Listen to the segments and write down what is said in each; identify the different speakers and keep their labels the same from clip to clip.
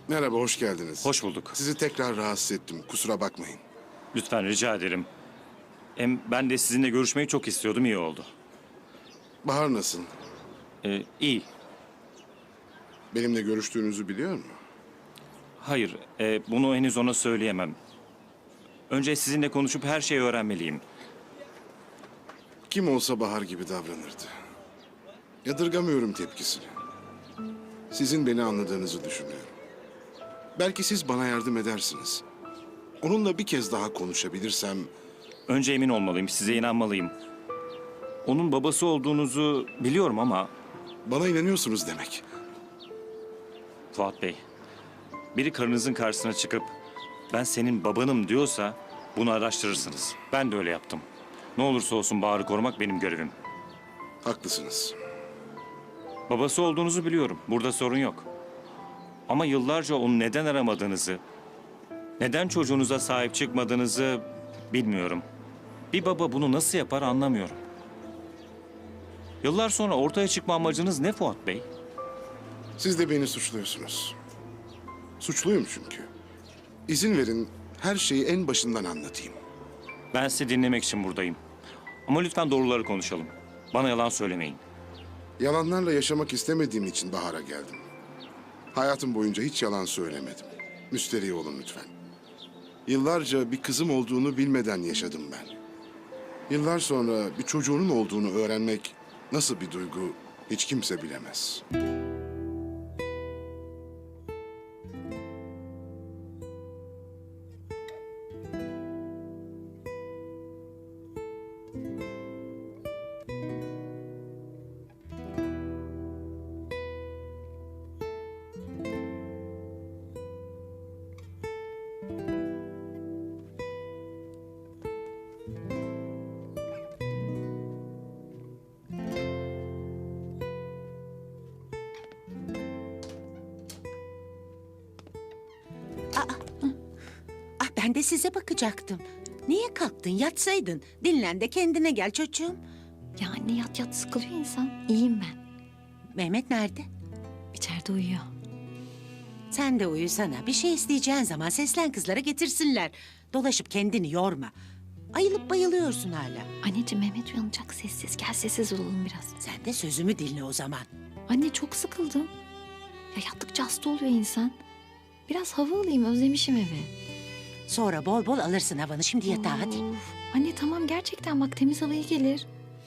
Speaker 1: Merhaba, hoş geldiniz.
Speaker 2: Hoş bulduk.
Speaker 1: Sizi tekrar rahatsız ettim, kusura bakmayın.
Speaker 2: Lütfen rica ederim. Hem ben de sizinle görüşmeyi çok istiyordum, iyi oldu.
Speaker 1: Bahar nasıl?
Speaker 2: İyi.
Speaker 1: Benimle görüştüğünüzü biliyor mu?
Speaker 2: Hayır, bunu henüz ona söyleyemem. Önce sizinle konuşup her şeyi öğrenmeliyim.
Speaker 1: Kim olsa Bahar gibi davranırdı. Yadırgamıyorum tepkisini. Sizin beni anladığınızı düşünüyorum. Belki siz bana yardım edersiniz. Onunla bir kez daha konuşabilirsem...
Speaker 2: Önce emin olmalıyım, size inanmalıyım. Onun babası olduğunuzu biliyorum ama...
Speaker 1: Bana inanıyorsunuz demek.
Speaker 2: Fuat Bey, biri karınızın karşısına çıkıp... Ben senin babanım diyorsa bunu araştırırsınız. Ben de öyle yaptım. Ne olursa olsun Bahar'ı korumak benim görevim.
Speaker 1: Haklısınız.
Speaker 2: Babası olduğunuzu biliyorum. Burada sorun yok. Ama yıllarca onu neden aramadığınızı, neden çocuğunuza sahip çıkmadığınızı bilmiyorum. Bir baba bunu nasıl yapar anlamıyorum. Yıllar sonra ortaya çıkma amacınız ne Fuat Bey?
Speaker 1: Siz de beni suçluyorsunuz. Suçluyum çünkü. İzin verin her şeyi en başından anlatayım.
Speaker 2: Ben sizi dinlemek için buradayım. Ama lütfen doğruları konuşalım. Bana yalan söylemeyin.
Speaker 1: Yalanlarla yaşamak istemediğim için Bahar'a geldim. Hayatım boyunca hiç yalan söylemedim. Müsterih olun lütfen. Yıllarca bir kızım olduğunu bilmeden yaşadım ben. Yıllar sonra bir çocuğunun olduğunu öğrenmek nasıl bir duygu hiç kimse bilemez.
Speaker 3: Ah, ben de size bakacaktım. Niye kalktın? Yatsaydın. Dinlen de kendine gel çocuğum.
Speaker 4: Ya anne yat yat sıkılıyor insan. İyiyim ben.
Speaker 3: Mehmet nerede?
Speaker 4: İçeride uyuyor.
Speaker 3: Sen de uyusana. Bir şey isteyeceğin zaman seslen kızlara getirsinler. Dolaşıp kendini yorma. Ayılıp bayılıyorsun hala.
Speaker 4: Anneciğim Mehmet uyanacak sessiz. Gel sessiz olalım biraz.
Speaker 3: Sen de sözümü dinle o zaman.
Speaker 4: Anne çok sıkıldım. Ya yattıkça hasta oluyor insan. Biraz hava alayım özlemişim evi.
Speaker 3: Sonra bol bol alırsın havanı. Şimdi yatağa hadi.
Speaker 4: Of. Anne tamam gerçekten bak temiz hava iyi gelir.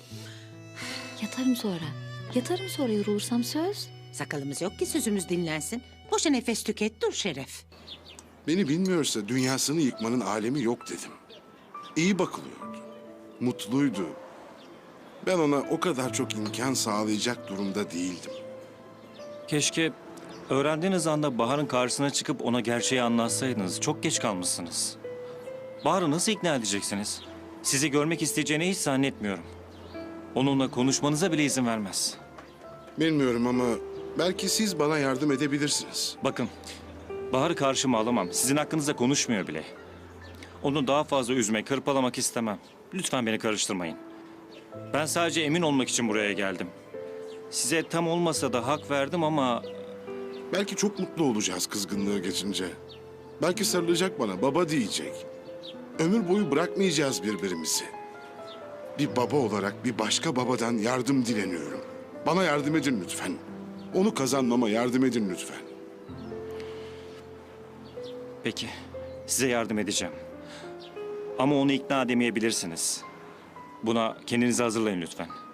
Speaker 4: Yatarım sonra. Yatarım sonra yorulursam söz.
Speaker 3: Sakalımız yok ki sözümüz dinlensin. Boşa nefes tüket dur Şeref.
Speaker 1: Beni bilmiyorsa dünyasını yıkmanın alemi yok dedim. İyi bakılıyordu. Mutluydu. Ben ona o kadar çok imkan sağlayacak durumda değildim.
Speaker 2: Keşke öğrendiğiniz anda Bahar'ın karşısına çıkıp ona gerçeği anlatsaydınız. Çok geç kalmışsınız. Bahar'ı nasıl ikna edeceksiniz? Sizi görmek isteyeceğini hiç zannetmiyorum. Onunla konuşmanıza bile izin vermez.
Speaker 1: Bilmiyorum ama belki siz bana yardım edebilirsiniz.
Speaker 2: Bakın, Bahar'ı karşıma alamam. Sizin hakkınızda konuşmuyor bile. Onu daha fazla üzmek, hırpalamak istemem. Lütfen beni karıştırmayın. Ben sadece emin olmak için buraya geldim. Size tam olmasa da hak verdim ama...
Speaker 1: Belki çok mutlu olacağız kızgınlığı geçince. Belki sarılacak bana, baba diyecek. Ömür boyu bırakmayacağız birbirimizi. Bir baba olarak bir başka babadan yardım dileniyorum. Bana yardım edin lütfen. Onu kazanmama yardım edin lütfen.
Speaker 2: Peki, size yardım edeceğim. Ama onu ikna edemeyebilirsiniz. Buna kendinizi hazırlayın lütfen.